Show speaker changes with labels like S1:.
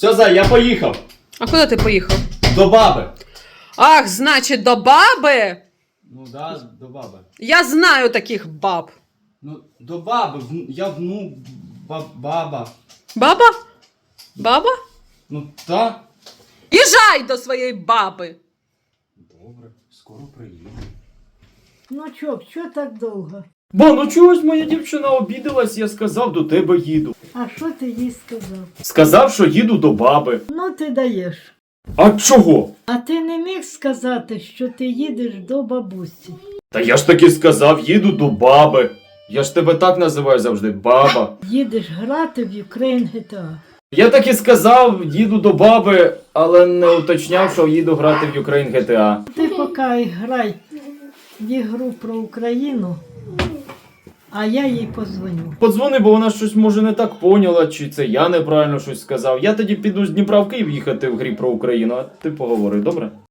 S1: Все, Зай, я поїхав.
S2: А куди ти поїхав?
S1: До баби.
S2: Ах, значить, до баби?
S1: Ну да, до баби.
S2: Я знаю таких баб.
S1: Ну, до баби. Баба.
S2: Баба? Баба?
S1: Ну, та.
S2: Їжджай до своєї баби.
S1: Добре, скоро приїду.
S3: Ну що так довго?
S4: Ба, ну чогось моя дівчина обідалась, я сказав, до тебе їду.
S3: А що ти їй сказав?
S4: Сказав, що їду до баби.
S3: Ну ти даєш.
S4: А чого?
S3: А ти не міг сказати, що ти їдеш до бабусі?
S4: Та я ж таки сказав, їду до баби. Я ж тебе так називаю завжди, баба.
S3: Їдеш грати в Ukraine GTA.
S4: Я так і сказав, їду до баби, але не уточняв, що їду грати в Ukraine GTA.
S3: Ти поки грай в ігру про Україну, а я їй позвоню.
S4: Подзвони, бо вона щось може не так поняла, чи це я неправильно щось сказав. Я тоді піду з Дніпра в Київ їхати в грі про Україну, а ти поговори, добре?